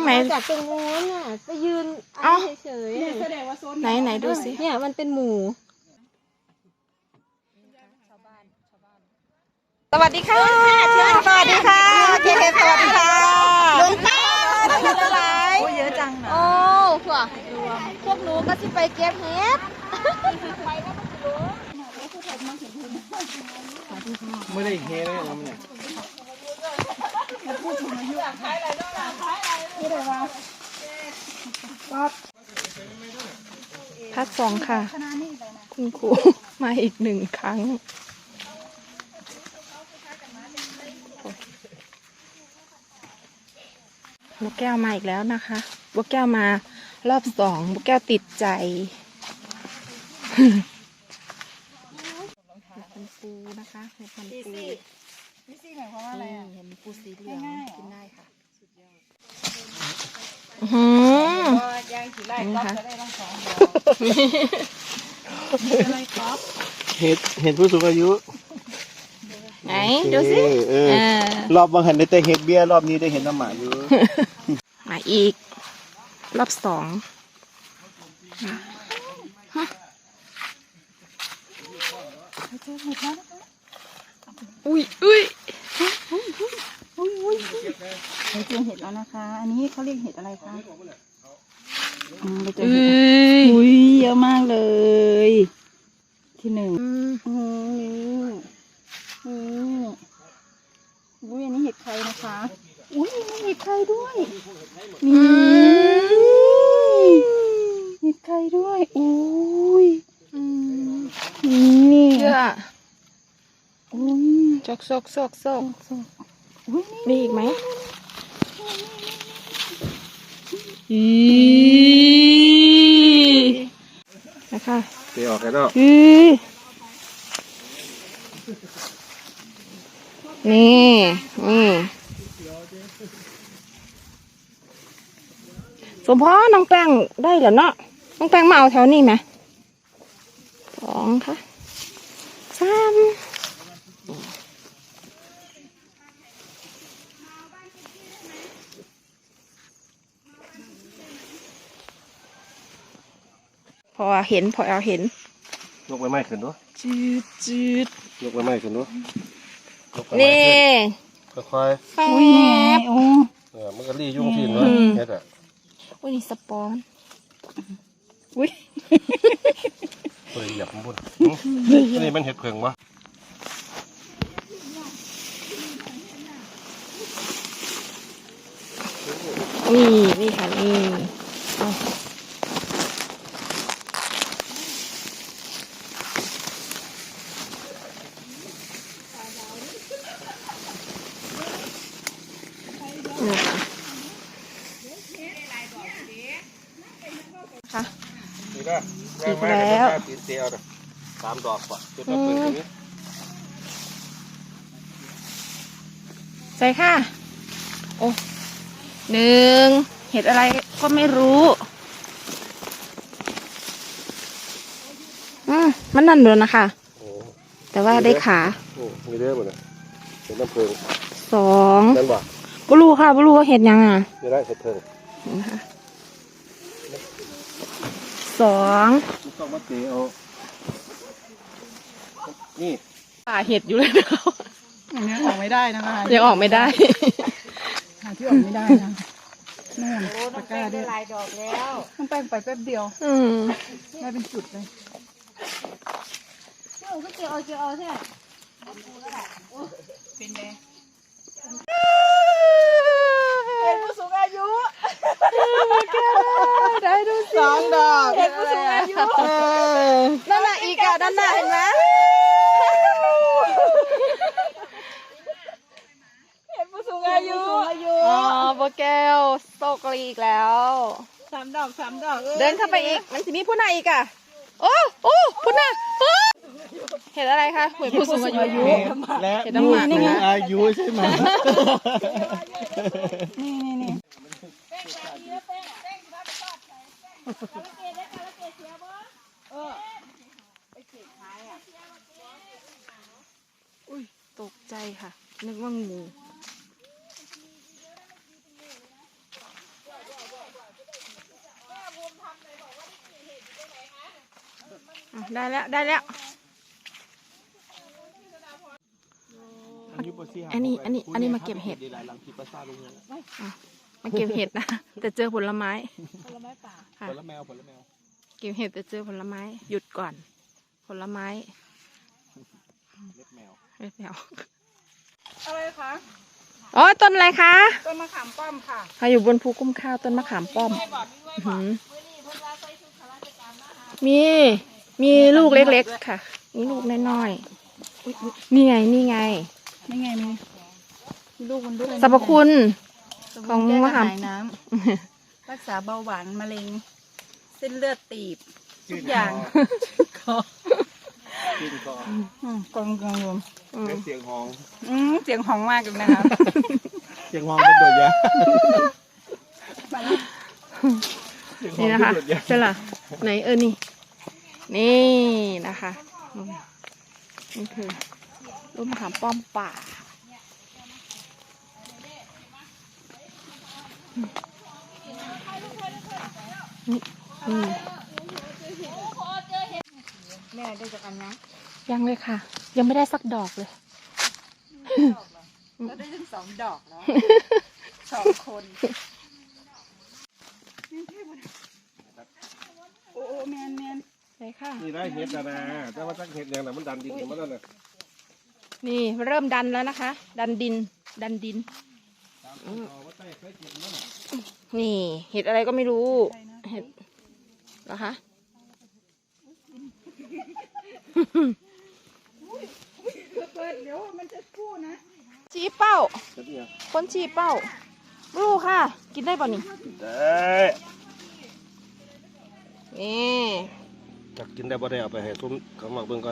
ไหนจากตรงโน้นน่ะไปยืนเฉยๆแสดงว่าโซนไหนดูสิเนี่ยมันเป็นหมู่สวัสดีค่ะสวัสดีค่ะเคเคสวัสดีค่ะลงป้าอะไรเยอะจังนะโอ้พวกหนูก็จะไปเก็บเห็ดไม่ได้เฮเลยนะมันเนี่ยพักสองค่ะคุณครูมาอีก1 ครั้งบุกแก้วมาอีกแล้วนะคะบุกแก้วมารอบ2บุกแก้วติดใจเป็นปูนะคะเป็นปูนี่สิหมายความว่าอะไรอ่ะเห็นปูสีเหลืองกินได้ค่ะย่างสีไล่ก๊อฟจะได้ต้อง2 ดอกอะไรก๊อฟเห็ดผู้สูงอายุไหนดูสิรอบบางหันได้แต่เห็ดเบี้ยรอบนี้ได้เห็ดน้ำหมาอยู่มาอีกรอบ2อุ้ยเราเจอเห็ดแล้วนะคะอันนี้เขาเรียกเห็ดอะไรคะเราเจอเห็ดอุ้ยเยอะมากเลยที่1อุ้ยอันนี้เห็ดใครนะคะอุ้ยมีเห็ดใครด้วยนี่เห็ดใครด้วยอุ้ยนี่เยอะอุ้ยซอกมีอีกไหมนะคะเตะออกกันแล้วนี่สมพรน้องแป้งได้เหรอเนาะน้องแป้งมาเอาแถวนี้ไหม2ค่ะ3พอเอาเห็นยกใบไม้ขึ้นด้วยจืดยกใบไม้ขึ้นด้วยนี่ค่อยแป๊บมันก็รียุ่งที่เนาะเห็ดอ่ะอุ้ยนี่สปอนอุ้ยตัวเหยียบมันบุญนี่มันเห็ดเพิงวะนี่ค่ะนี่ค่ะอีกแล้วตีเตียว3 ดอกกว่าจุดละปืนตรงนี้ใส่ค่ะโอ้1เห็ดอะไรก็ไม่รู้มันนั่นเลยนะคะแต่ว่าได้ขามีเรื่องหมดเลยเป็นน้ำเพิง 2 นั่นบ่บลูค่ะบลูเห็ดยังจะได้เห็ดเพิง 2 ต้องมาเตะเอานี่ป่าเห็ดอยู่เลยนะเขายังออกไม่ได้นะคะยังออกไม่ได้หาที่ออกไม่ได้นะนู่นตะกร้าได้หลายดอกแล้วต้องแป้งไปแป๊บเดียวได้เป็นจุดเลยเจ้าก็เจียวเอาใช่ไหมเป็นไงเป็นผู้สูงอายุได้ดู2 ดอกเป็นผู้สูงอายุนั่นน่ะอีกด้านหน้าเห็นไหมเป็นผู้สูงอายุโบแก้วโซกรีอีกแล้ว 3 ดอกเดินเข้าไปอีกมันจะมีผู้ไหนอีกอ่ะโอ้ผู้ไหนเห็นอะไรคะเห็นผู้สูงอายุและผู้สูงอายุใช่ไหมนี่อุ้ยตกใจค่ะนึกว่างูได้แล้วได้แล้ว อันนี้มาเก็บเห็ดมาเก็บเห็ดนะแต่เจอผลไม้ป่าค่ะผลแมวเก็บเห็ดแต่เจอผลไม้หยุดก่อน ผลไม้เล็บแมวไม่แมวอะไรคะอ๋อต้นอะไรคะต้นมะขามป้อมค่ะค่ะอยู่บนภูกุ้มข้าวต้นมะขามป้อมอื้อหือมีลูกเล็กๆค่ะนี่ลูกน้อยๆนี่ไงนี่ไงมีลูกมันด้วยสรรพคุณของมะขามแก้กระหายน้ำรักษาเบาหวานมะเร็งเส้นเลือดตีบทุกอย่างกินก่อนกองกองรวมเสียงหองเสียงหองมากเลยนะคะเสียงหองเป็นโดดยานี่นะคะใช่ล่ะไหนนี่นะคะนี่คือลูกมะขามป้อมป่าแม่ได้จากอันนะยังเลยค่ะ ยังไม่ได้สักดอกเลยเราได้ถึง2 ดอกแล้ว 2 คนโอ้แมนเลยค่ะนี่ได้เห็ดนะแต่ว่าตั้งเห็ดอย่างนั้นมันดันดินมันนั่นน่ะนี่เริ่มดันแล้วนะคะ ดันดินนี่เห็ดอะไรก็ไม่รู้เห็ดเหรอคะเดี๋ยวมันจะกู้นะชี้เป้าคนชี้เป้ารู้ค่ะ กินได้ป่ะนี่ได้นี่จะกินได้บ่ได้เอาไปให้ซุ้มเขาหมักเบิ่งก่อน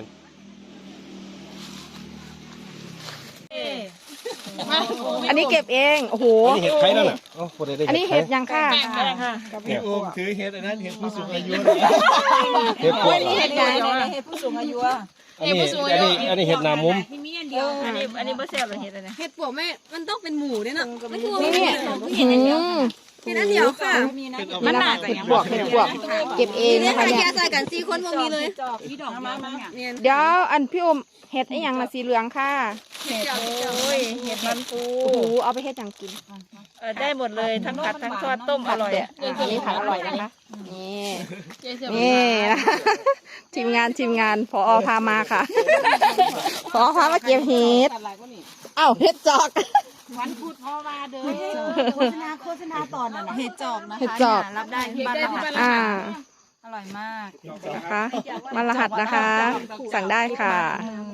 อันนี้เก็บเองโอ้โหอันนี้เห็ดไข่นั่นน่ะอันนี้เห็ดยังค่ะพี่โอมถือเห็ดอันนั้นเห็ดผู้สูงอายุเห็ดเห็ดใหญ่เห็ดผู้สูงอายุอันนี้เห็ดหนามุมมีอันเดียวอันนี้บ่แซ่บเลยเห็ดอะไรเห็ดปวกแม่มันต้องเป็นหมูเนี่ยเนาะไม่ถูกนี่เห็ดอันเดียวเห็ดอันเดียวค่ะมันหนาเห็ดบวกเก็บเองนี่นะคะค่ะเนี่แค่ยใส่กัน4 คนบ่มีเลยจอกพี่ดอกมาเนี่ยเดี๋ยวอันพี่อมเห็ดไอ้หยังนะสีเหลืองค่ะเห็ดโอ้ยเห็ดมันปูโอ้โหเอาไปเห็ดหยังกินได้หมดเลยทั้งผัดทั้งทอดต้มอร่อยอันนี้ผัดอร่อยนะคะนี่นะทีมงานผอพามาค่ะผอพามาเก็บเห็ดอ้าวเห็ดจอกวันพุธพ่อมาเด้อโฆษณาตอนนั้นเห็ดจอกนะคะเห็ดจอกรับได้ที่บ้านเราออร่อยมากนะคะมารหัสนะคะ สั่งได้ค่ะอืม